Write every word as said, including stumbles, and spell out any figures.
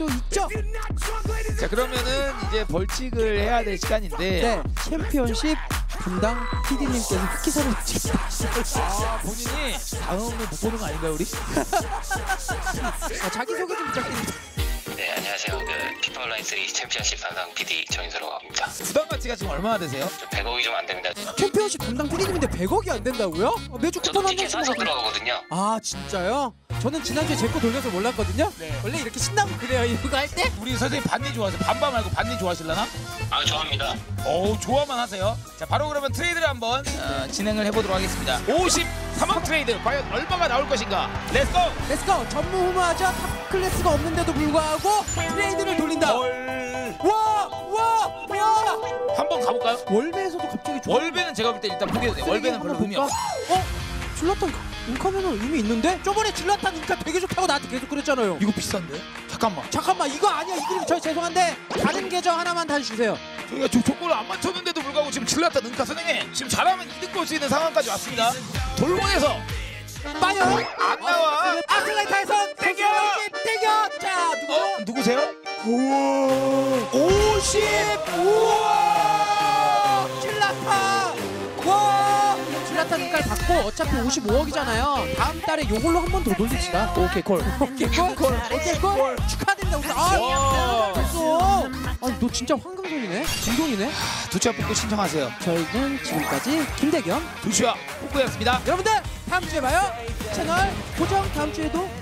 또 있죠. 자 그러면은 이제 벌칙을 해야 될 시간인데 네, 챔피언십 담당 피디님께서 흑기사를 찍었다. 아 본인이 다음에 못 보는 거 아닌가요 우리? 어, 자기소개 좀 부탁드립니다. 네, 안녕하세요. 그 피파 온라인 쓰리 챔피언십 담당 피디 정인서라고 합니다. 부담 가치가 지금 얼마나 되세요? 저 백억이 좀 안 됩니다. 챔피언십 담당 피디님인데 백억이 안 된다고요? 어, 매주 저도 쿠폰 한 티켓 장씩 사서 먹어. 들어가거든요. 아 진짜요? 저는 지난주에 제 거 돌려서 몰랐거든요. 네. 원래 이렇게 신나고 그래요 이거 할 때? 우리 선생님 반니 좋아하세요? 반바 말고 반니 좋아하실라나? 아, 좋아합니다. 어우 좋아만 하세요. 자 바로 그러면 트레이드를 한번 어, 진행을 해보도록 하겠습니다. 오십삼억 트레이드 과연 얼마가 나올 것인가? 렛츠고! 렛츠고! 전무후무하죠? 탑 클래스가 없는데도 불구하고 트레이드를 돌린다. 월... 와! 와! 와! 한번 가볼까요? 월배에서도 갑자기 좋아. 월배는 제가 볼 때 일단 포기해도 돼요. 월배는 별로 의미 없어. 어? 질라탄 인카면은 의미 있는데? 저번에 질라탄 인카 되게 좋다고 나한테 계속 그랬잖아요. 이거 비싼데? 잠깐만. 잠깐만 이거 아니야. 이 그림 저 죄송한데 다른 계정 하나만 다시 주세요. 저희가 조, 조건을 안 맞췄는데도 불구하고 지금 질렀다 능카 선생님 지금 잘하면 이득 볼 수 있는 상황까지 왔습니다. 돌고에서 빠요! 안 나와. 아틀레타에서 대겨! 대겨! 자 누구죠? 어? 누구세요? 우와 오십! 우와! 질라탄! 와! 질라탄 인카를 받고 어차피 오십오억이잖아요. 다음 달에 요걸로 한 번 더 돌립시다. 오케이 콜. 오케이 콜? 콜. 오케이 콜? 축하드립니다. 우리. 아, 됐어. 아니 너 진짜 황금손이네. 진동이네. 두치와 뽑고 신청하세요. 저희는 지금까지 김대겸 두치와 뽑고였습니다. 여러분들 다음 주에 봐요. 채널 고정 다음 주에도